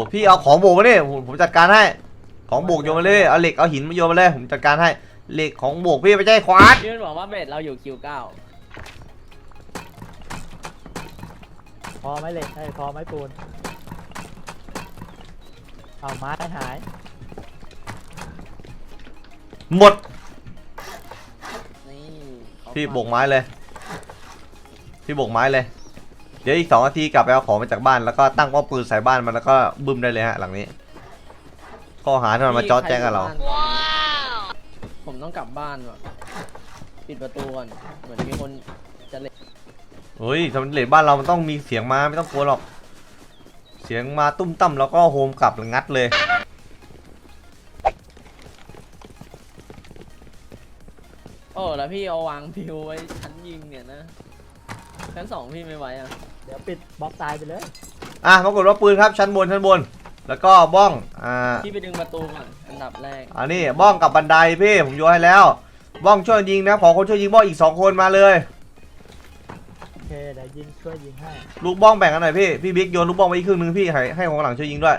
พี่เอาของโบกมาดิผมจัดการให้ของโบกโยนมาเลยเอาเหล็กเอาหินมาโยนมาเลยผมจัดการให้เหล็กของโบกพี่ไม่ใช่ควานพี่มันบอกว่าเบสเราอยู่คิว9 พอไหมเหล็กพอไหมปูนเอาไม้หายหมดนี่พี่โบกไม้เลยพี่โบกไม้เลยเดี๋ยวอีก2 นาทีกลับไปเอาของมาจากบ้านแล้วก็ตั้งป้อมปืนใส่บ้านมันแล้วก็บึ้มได้เลยฮะหลังนี้ข้อหาที่มันมาจ้อแจ้งกับเราผมต้องกลับบ้านว่ะปิดประตูก่อนเหมือนมีคนจะเล่นเฮ้ยสำเร็จบ้านเรามันต้องมีเสียงมาไม่ต้องกลัวหรอกเสียงมาตุ้มตั้มแล้วก็โฮมกลับงัดเลยโอ้แล้วพี่เอาวางพิวไว้ชั้นยิงเนี่ยนะชั้น2พี่ไม่ไหวอ่ะเดี๋ยวปิดบล็อกตายไปเลยปรากฏว่าปืนครับชั้นบนแล้วก็บ้องพี่ไปดึงประตูก่อนอันดับแรกอันนี้บ้องกับบันไดพี่ผมโยนให้แล้วบ้องช่วยยิงนะขอคนช่วยยิงบ้องอีก2 คนมาเลยโอเคเดี๋ยวช่วยยิงให้ลูกบ้องแบ่งกันหน่อยพี่บิ๊กโยนลูกบ้องไปอีกครึ่งนึงพี่ให้ของหลังช่วยยิงด้วย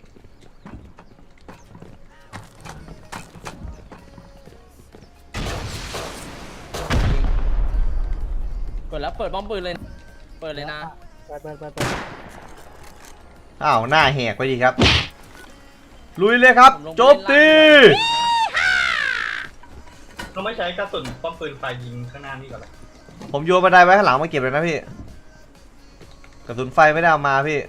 กดแล้วเปิดบ้อมปืนเลยเปิดเลยนะเปิดอ้าวหน้าแหกไปดีครับลุยเลยครับโจมตีเราไม่ใช้กระสุนป้อมปืนไฟยิงข้างหน้านี่ก่อนเลยผมโยนบันไดไว้ข้างหลังมาเก็บเลยนะพี่กระสุนไฟไม่ได้เอามาพี่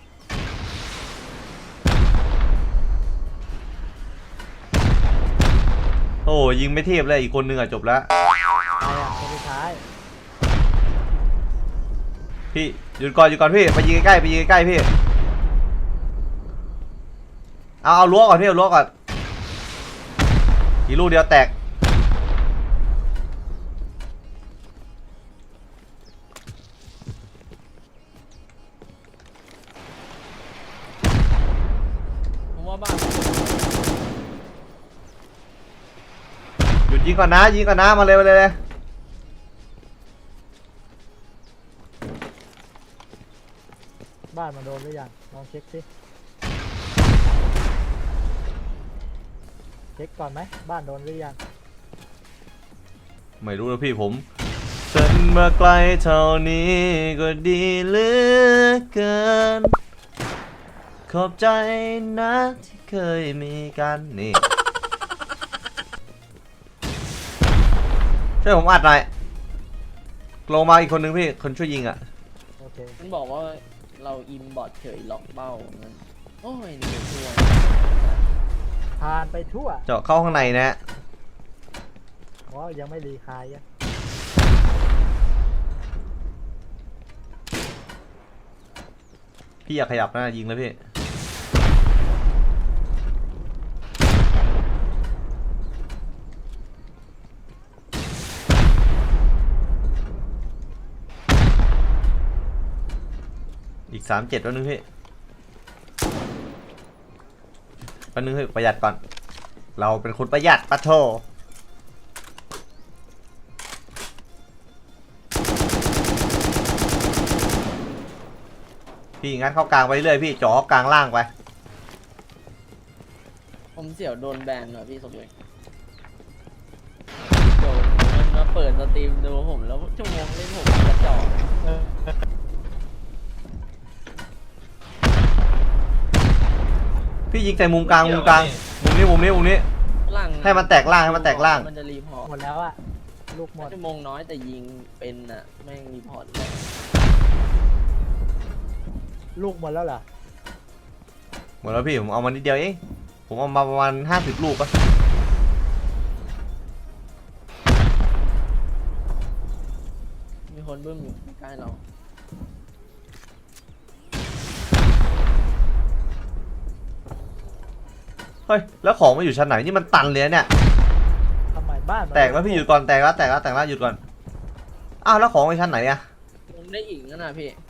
โอ้ยิงไม่เทียบเลยอีกคนนึงจบแล้วคนสุดท้ายพี่หยุดก่อนพี่ไปยิงใกล้พี่เอารั้วก่อนพี่เอารั้วก่อนอีกลูกเดียวแตกผมว่าบ้านหยุดยิงก่อนนะมาเลยบ้านมันโดนหรือยังลองเช็คสิเช็คก่อนไหมบ้านโดนหรือยังไม่รู้นะพี่ผมฉันมาไกลเท่านี้ก็ดีเหลือเกินขอบใจนะที่เคยมีกันนี่ช่วยผมอัดหน่อยลงมาอีกคนนึงพี่คนช่วยยิงโอเคมันบอกว่าเราอิมบอทเฉยล็อกเป้างั้นโอ้ยนี่ช่วยผ่านไปทั่วเจาะเข้าข้างในนะยังไม่รีคายพี่อยากขยับนะยิงเลยพี่อีก37แล้วนึงพี่ประหยัดก่อนเราเป็นคนประหยัดปะโถพี่งั้นเข้ากลางไปเรื่อยพี่จ่อกลางล่างไปผมเสี่ยวโดนแบนเหรอพี่สมยศโดนมันมาเปิดสตรีมดูผมแล้วชั่วโมงเล่นผมกระจอกพี่ยิงใส่มุมกลางมุมนี้ให้มันแตกล่างมันจะรีพอร์ตหมดแล้วอะลูกหมดชั่วโมงน้อยแต่ยิงเป็นอะแม่งรีพอร์ตลูกหมดแล้วเหรอหมดแล้วพี่ผมเอามานิดเดียวเองผมเอามาประมาณ50 ลูกปะมีคนบึ้มอยู่ใกล้เราเฮ้ยแล้วของมาอยู่ชั้นไหนนี่มันตันเลยเนี่ยทำไมบ้านแตกแล้วพี่หยุดก่อนแตกแล้วหยุดก่อนอ้าวแล้วของไปชั้นไหนอะผมได้อีกนั่นนะพี่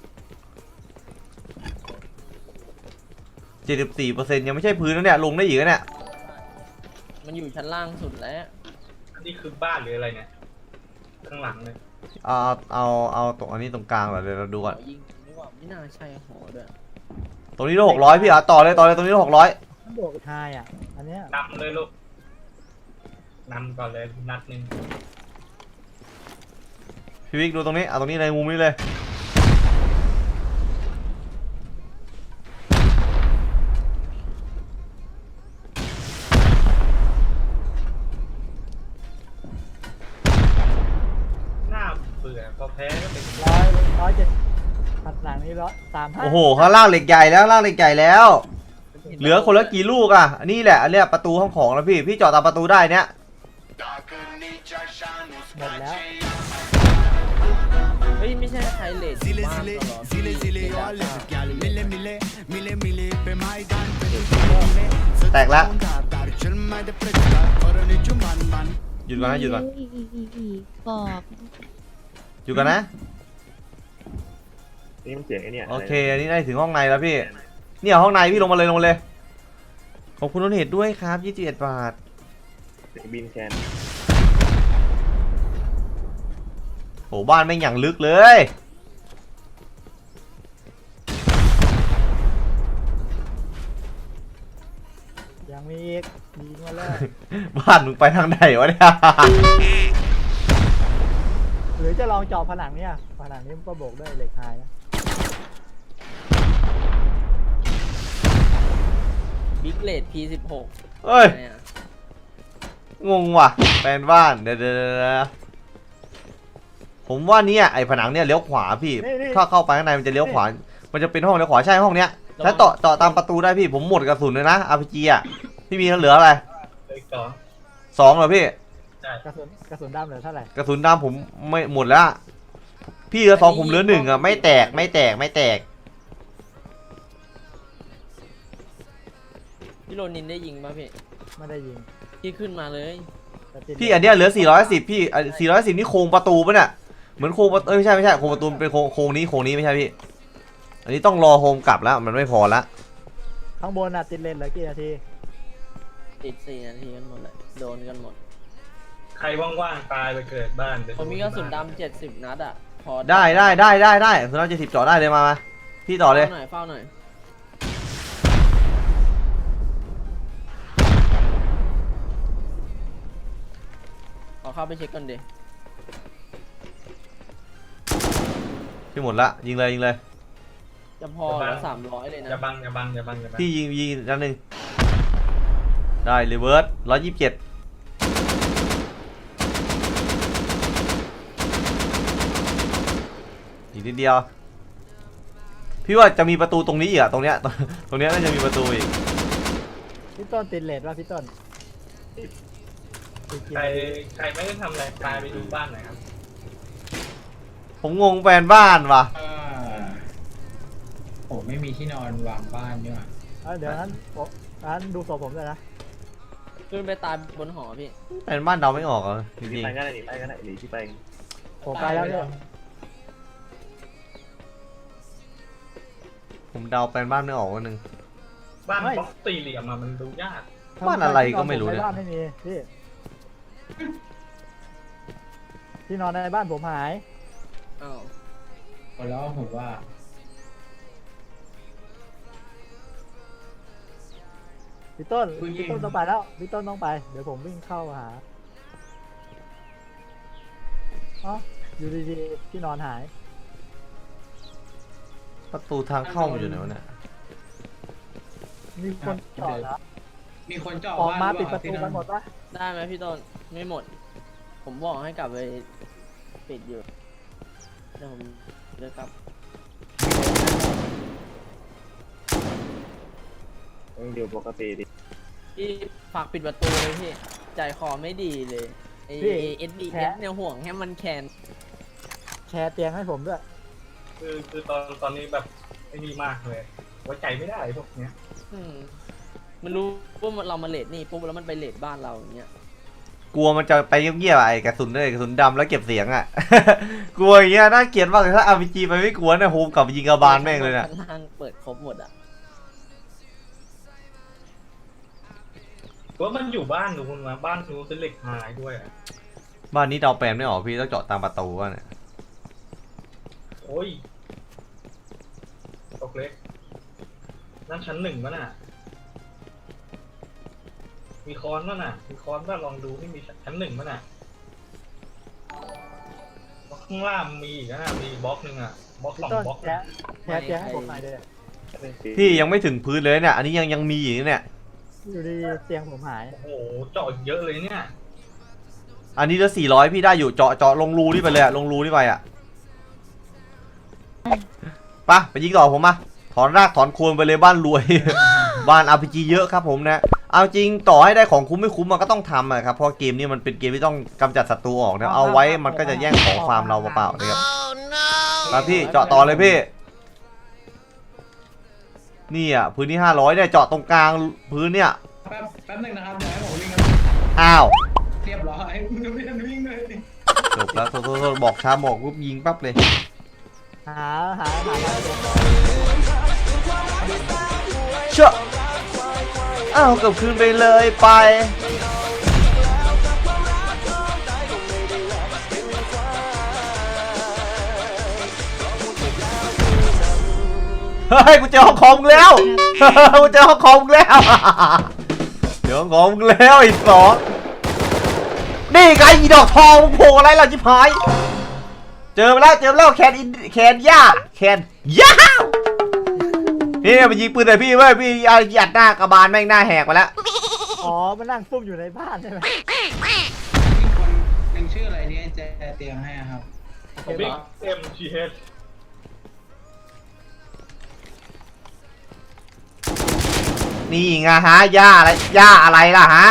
74%ยังไม่ใช่พื้นแล้วเนี่ยลงได้อีกเนี่ยมันอยู่ชั้นล่างสุดแล้วอันนี้คือบ้านหรืออะไรเนี่ยข้างหลังเลยเอาตรงอันนี้ตรงกลางเหรอเดี๋ยวเราดูก่อนยิงไม่ว่าไม่น่าใช่หอด้วยตรงนี้600พี่ต่อเลยตรงนี้600 มันบวกไฮอ่ะอันเนี้ยนำเลยลูกนำก่อนเลยนัดหนึ่งพี่วิกดูตรงนี้ตรงนี้ในมุมนี้เลยหน้าเบื่อพอแพ้ก็เป็น 100 ผัดหลังนี้135 โอ้โหข้างล่างเหล็กใหญ่แล้วเหลือคนละกี่ลูกอ่ะอันนี้แหละอันเนี้ยประตูห้องของแล้วพี่จอดตามประตูได้เนี้ยหมดแล้วเฮ้ยไม่ใช่ใครเลทอยู่บ้านตลอดพี่แตกแล้วหยุดก่อนนะหยุดก่อนบอกหยุดก่อนนะนี่มันเสียงไอ้เนี่ยโอเคอันนี้ได้ถึงห้องในแล้วพี่เนี่ยห้องในพี่ลงมาเลยขอบคุณต้นเหตุด้วยครับ21 บาทเสียงบินแคนโหบ้านแม่งอย่างลึกเลยยังมีอีกยิงมาเลยบ้านมึงไปทางไหนวะเนี่ยหรือจะลองเจาะผนังเนี่ยผนังนี้มันก็โบกด้วยเหล็กไฮนะบิ๊กเลท P16 เอ้ยไงอะงงว่ะแฟนบ้านเดี๋ยวผมว่าเนี่ยไอ้ผนังเนี่ยเลี้ยวขวาพี่ถ้าเข้าไปข้างในมันจะเลี้ยวขวามันจะเป็นห้องเลี้ยวขวาใช่ห้องเนี้ยถ้าเจาะตามประตูได้พี่ผมหมดกระสุนเลยนะ RPG อ่ะพี่มีเหลืออะไรเลยสอง 2เหรอพี่ใช่กระสุนดำเหลือเท่าไหร่กระสุนดำผมไม่หมดแล้วอะพี่เหลือ2ผมเหลือ1อ่ะไม่แตกพี่โรนินได้ยิงป่ะพี่ไม่ได้ยิงพี่ขึ้นมาเลยแต่ติดพี่อันเนี้ยเหลือ410พี่410นี่โครงประตูปะเนี่ยเหมือนโครงประตูไม่ใช่โครงประตูเป็นโครงนี้ไม่ใช่พี่อันนี้ต้องรอโฮมกลับแล้วมันไม่พอละข้างบนอ่ะติดเลนเหลือกี่นาทีติด4 นาทีกันหมดเลยโดนกันหมดใครว่างๆตายไปเกิดบ้านเดี๋ยวผมมีกระสุนดำ70 นัดอ่ะพอได้สุนัข70จ่อได้เลยมาพี่ต่อเลยเฝ้าหน่อยขอเข้าไปเช็คก่อนดิพี่หมดละยิงเลยจะพอเหลือ300เลยนะอย่าบังพี่ยิงนัดหนึ่งได้รีเวิร์ส127อีกนิดเดียวพี่ว่าจะมีประตูตรงนี้อีกอะตรงเนี้ยน่าจะมีประตูอีกพี่ต้นติดเลนว่าพี่ต้นติดกี่ใครนาทีใครไม่ได้ทำอะไรตายไปดูบ้านหน่อยครับผมงงแฟนบ้านว่ะผมไม่มีที่นอนวางบ้านเนี่ยเดี๋ยวนั้นดูศพผมเลยนะขึ้นไปตายบนหอพี่แฟนบ้านเดาไม่ออกอ่ะจหนีริงไปก็ได้หนีไปก็ได้หนีที่ไปผมไปแล้วเนี่ยๆผมเดาแฟนบ้านไม่ออกวันหนึ่งบ้านบล็อกสี่เหลี่ยมมันดูยากบ้านอะไรก็ไม่รู้เนี่ยบ้านไม่มีพี่ที่นอนในบ้านผมหายอ้าวแล้วผมว่าพี่ต้นต้องไปแล้วพี่ต้นต้องไปเดี๋ยวผมวิ่งเข้าหาอ๋ออยู่ดีๆที่นอนหายประตูทางเข้ามันอยู่ไหนวะเนี่ยมีคนจอดแล้วมีคนเจาะออกมาบ้นปิดประตูที่กันหมดปะได้ไหมพี่ต้นไม่หมด ผมบอกให้กลับไปปิดอยู่เดี๋ยวผมเลิกกลับต้องอยู่ปกติดิพี่ฝากปิดประตูเลยพี่ใจคอไม่ดีเลยไอเอสบีเอสเนี่ยห่วงให้มันแคนแชร์เตียงให้ผมด้วยคือตอนนี้แบบไม่ดีมากเลยไว้ใจไม่ได้พวกเนี้ยมันรู้ว่าเรามาเลดนี่ปุ๊บแล้วมันไปเลดบ้านเราอย่างเงี้ยกลัวมันจะไปเงียบๆไอ้กระสุนกระสุนดำแล้วเก็บเสียงอ่ะ กลัวอย่างเงี้ยน่าเกลียดมากเลยถ้า RPG ไปไม่กลัวเนี่ยโฮมกลับไปยิงกระบาลแม่งเลยเนี่ยข้างล่างเปิดครบหมดอ่ะว่ามันอยู่บ้านหนูคุณมาบ้านหนูเป็นเหล็กหายด้วยอะบ้านนี้เดาแปลนไม่ออกพี่ต้องเจาะตามประตูว่ะเนี่ยโอ้ยตกเล็กนั่นชั้นหนึ่งป่ะน่ะมีค้อนป่ะน่ะมีค้อนป่ะลองดูที่มีชั้นหนึ่งป่ะน่ะข้างล่างมีอีกนะมีบล็อกหนึ่งอ่ะบล็อกพี่สองต้นบล็อกแชร์ให้ผมหน่อยเลยพี่ยังไม่ถึงพื้นเลยเนี่ยอันนี้ยังมีอยู่เนี่ยอยู่ดีเตียงผมหายโอ้โหเจาะเยอะเลยเนี่ยอันนี้เหลือ400พี่ได้อยู่เจาะลงรูนี่ไปเลยอะลงรูนี่ไปอะไปยิงต่อผมมาถอนรากถอนโคนไปเลยบ้านรวย บ้าน RPG เยอะครับผมนะเอาจริงต่อให้ได้ของคุ้มไม่คุ้มมันก็ต้องทำอะครับเพราะเกมนี้มันเป็นเกมที่ต้องกำจัดศัตรูออกนะเอาไว้มันก็จะแย่งของฟาร์มเราเปล่าๆนะครับมาพี่เจาะต่อเลยพี่นี่อ่ะพื้นที่500เนี่ยเจาะตรงกลางพื้นเนี่ยแป๊บหนึงนะครับเดี๋ยวให้ผมวิ่งครับอ้าวเรียบร้อยมึงจะไม่ทันวิ่งเลยจบแล้วโทษบอกช้าบอกปุ๊บยิงปั๊บเลยหามาเลยเชื่ออ้าวเกือบคืนไปเลยไปเฮ้ยกูเจอห้องคอมแล้ว กูเจอห้องคอมแล้วเจอห้องคอมแล้วอีกสองนี่ไงอีดอกทองโผล่อะไรล่ะจิ๋พายเจอมาแล้วแคนย่านี่มันยิงปืนใส่พี่เว้ยพี่ยัดหน้ากระบาลแม่งหน้าแหกไปแล้วอ๋อมันนั่งซุ่มอยู่ในบ้านใช่ไหมมีคนหนึ่งชื่ออะไรเนี่ยจะเตรียมให้อะครับบิ๊กMGH นี่ไงฮะย่าอะไรล่ะฮะ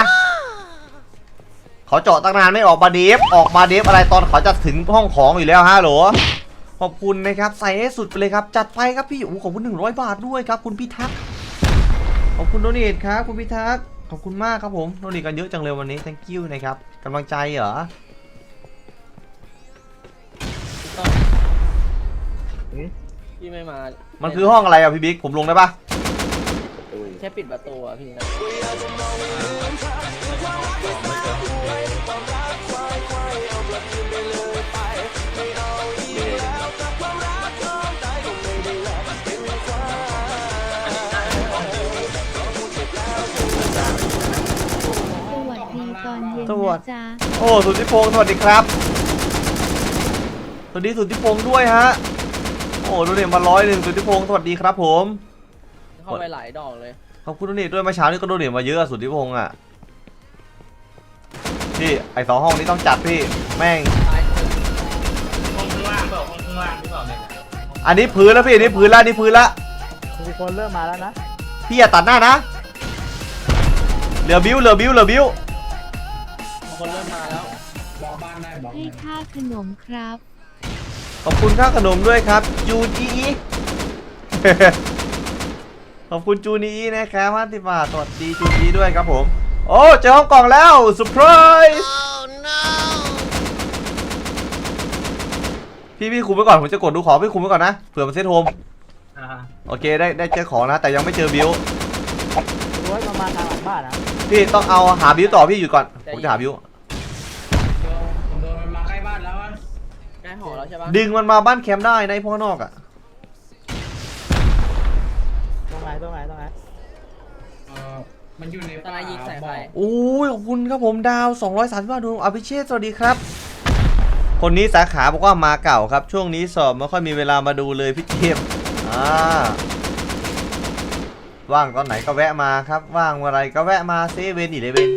เขาเจาะตั้งนานไม่ออกมาเดฟอะไรตอนเขาจะถึงห้องของอยู่แล้วฮะโหลขอบคุณนะครับใส่ให้สุดไปเลยครับจัดไปครับพี่โอ้ขอบคุณ100 บาทด้วยครับคุณพิทักษ์ขอบคุณโดเนทครับคุณพิทักษ์ขอบคุณมากครับผมโดเนทกันเยอะจังเลยวันนี้ thank you นะครับกำลังใจเหรอพี่ไม่มามันคือห้องอะไรอ่ะพี่บิ๊กผมลงได้ปะแค่ปิดประตูอะพี่นะสวัสดีตอนเย็นนะจ๊ะโอ้สุทธิพงศ์สวัสดีครับสวัสดีสุทธิพงศ์ด้วยฮะโอ้โดเนทมา101สุทธิพงศ์สวัสดีครับผมเข้าไปหลายดอกเลยขอบคุณโดเนทด้วยเมื่อเช้านี้ก็โดเนทมาเยอะสุทธิพงศ์อ่ะพี่ไอ้2 ห้องนี้ต้องจัดพี่แม่งตายห้องข้างล่างเปล่าห้องข้างล่างหรือเปล่าเนี่ยอันนี้พื้นแล้วพี่อันนี้พื้นละมีคนเริ่มมาแล้วนะพี่อย่าตัดหน้านะเหลือบิ้วคนเริ่มมาแล้วบอกบ้านได้บอกให้ค่าขนมครับขอบคุณค่าขนมด้วยครับจูนอี ขอบคุณจูนอีนะครับ50 บาทสวัสดีจูนอีด้วยครับผมโอ้เจอห้องกล่องแล้วเซอร์ไพรส์พี่คุมไว้ก่อนผมจะกดดูของพี่คุมไว้ก่อนนะเผื่อมันเซตโฮมอ่าโอเคได้เจอของนะแต่ยังไม่เจอบิวรู้ว่ามันมาทางหลังบ้านนะพี่ต้องเอาหาบิวต่อพี่อยู่ก่อนผมจะหาบิวโดนมันมาใกล้บ้านแล้วอะใกล้หอแล้วใช่ปะดึงมันมาบ้านแคมป์ได้ในพ่อนอกอ่ะตรงไหนมันอยู่ในตอนนั้นยิงใส่ไฟโอ้ยขอบคุณครับผมดาว230 บาทดูอภิเชษสวัสดีครับคนนี้สาขาบอกว่ามาเก่าครับช่วงนี้สอบไม่ค่อยมีเวลามาดูเลยพี่เจมส์ว่างตอนไหนก็แวะมาครับว่างเมื่อไรก็แวะมาเซเว่น11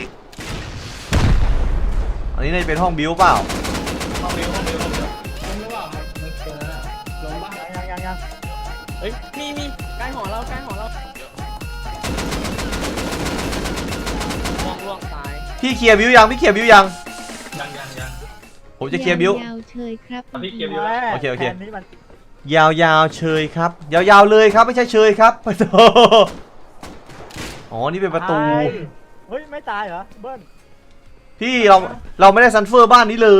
อันนี้น่าจะเป็นห้องบิวเปล่าห้องเดียวผมรู้ว่ามันเจอแล้วลงบ้านยังเฮ้ยมีใกล้หอแล้วล่วงตายพี่เคลียร์บิวยังยังผมจะเคลียร์บิวยาวๆเชยครับพี่เก็บแม่โอเคแทนนี้มันยาวๆเชยครับยาวๆเลยครับไม่ใช่เชยครับ ประตูอ๋อนี่เป็นประตูตายเฮ้ยไม่ตายเหรอเบิ้ลพี่เราไม่ได้ซันเฟอร์บ้านนี้เลย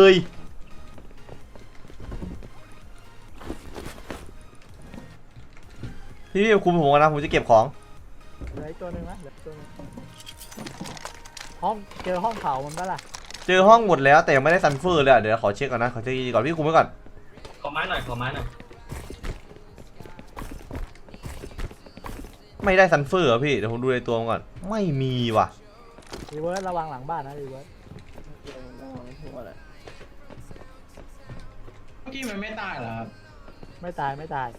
พี่คุมผมก่อนนะผมจะเก็บของเหลืออีกตัวหนึงนะเหลืออีกตัวหนึงห้องเจอห้องเผามันปะล่ะเจอห้องหมดแล้วแต่ยังไม่ได้ซันเฟอร์เลยอะเดี๋ยวขอเช็คก่อนนะขอเช็คก่อนพี่คุมไว้ก่อนขอไม้หน่อยไม่ได้ซันเฟอร์เหรอพี่เดี๋ยวผมดูในตัวมันก่อนไม่มีว่ะรีเวิร์สระวังหลังบ้านนะรีเวิร์สระวังทั่วเลยเมื่อกี้มันไม่ตายเหรอครับไม่ตายไม่ตาย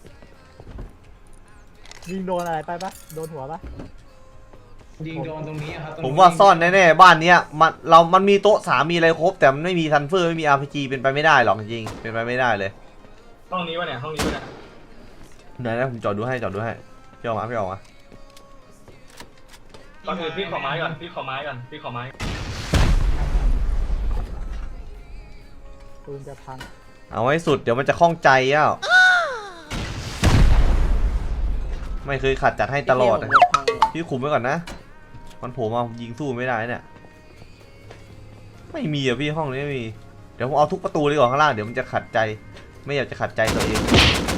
ยิงโดนอะไรไปปะโดนหัวปะยิงโดนตรงนี้อะครับตรงผมว่าซ่อนแน่ๆบ้านเนี้ยมันมีโต๊ะ3มีอะไรครบแต่มันไม่มีซันเฟอร์ไม่มี RPG เป็นไปไม่ได้หรอกจริงๆเป็นไปไม่ได้เลยห้องนี้วะเนี่ยห้องนี้วะเนี่ยไหนนะผมจอดดูให้พี่ออกมาก่อนอื่นพี่ขอไม้ก่อนพี่ขอไม้ปืนจะพังเอาให้สุดเดี๋ยวมันจะคล่องใจอ่ะไม่เคยขัดจัดให้ตลอดผมนะจะพังว่ะพี่คุมไว้ก่อนนะมันโผล่มายิงสู้ไม่ได้เนี่ยไม่มีอ่ะพี่ห้องนี้ไม่มีเดี๋ยวผมเอาทุกประตูเลยก่อนข้างล่างเดี๋ยวมันจะขัดใจไม่อยากจะขัดใจตัวเอง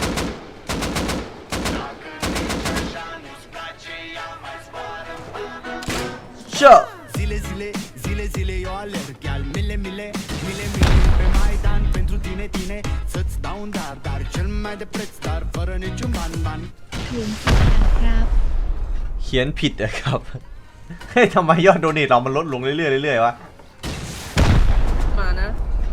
เชื่อ Zile, zile, zile, zile eu alerg Iar mile, mile, mile, mile Pe Maidan pentru tine, tine Să-ți dau un dar, dar cel mai de preț Dar fără niciun ban, ban เขียนผิดนะครับเขียนผิดอะครับ เฮ้ยทำไมยอดโดเนทเรามันลดลงเรื่อยๆวะมานะ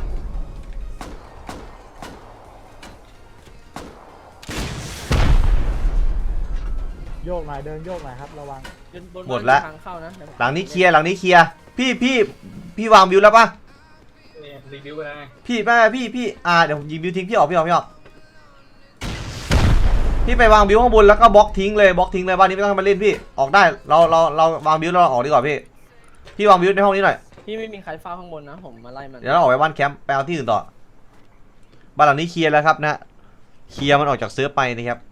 โยกหน่อยเดินโยกหน่อยครับระวังบนหมดละทางเข้านะเดี๋ยวผมหลังนี้เคลียร์พี่วางบิวแล้วปะนี่รีวิวไปแล้วไงพี่เดี๋ยวผมยิงบิวทิ้งพี่ออกพี่ไปวางบิวข้างบนแล้วก็บล็อกทิ้งเลยบ้านนี้ไม่ต้องให้มาเล่นพี่ออกได้เราวางบิวแล้วเราออกดีกว่าพี่วางบิวในห้องนี้หน่อยพี่ไม่มีใครเฝ้าข้างบนนะผมมาไล่มันเดี๋ยวเราออกไปบ้านแคมป์ไปเอาที่อื่นต่อบ้านหลังนี้เคลียร์แล้วครับนะเคลียร์มันออกจากเซิร์ฟไปนะครับ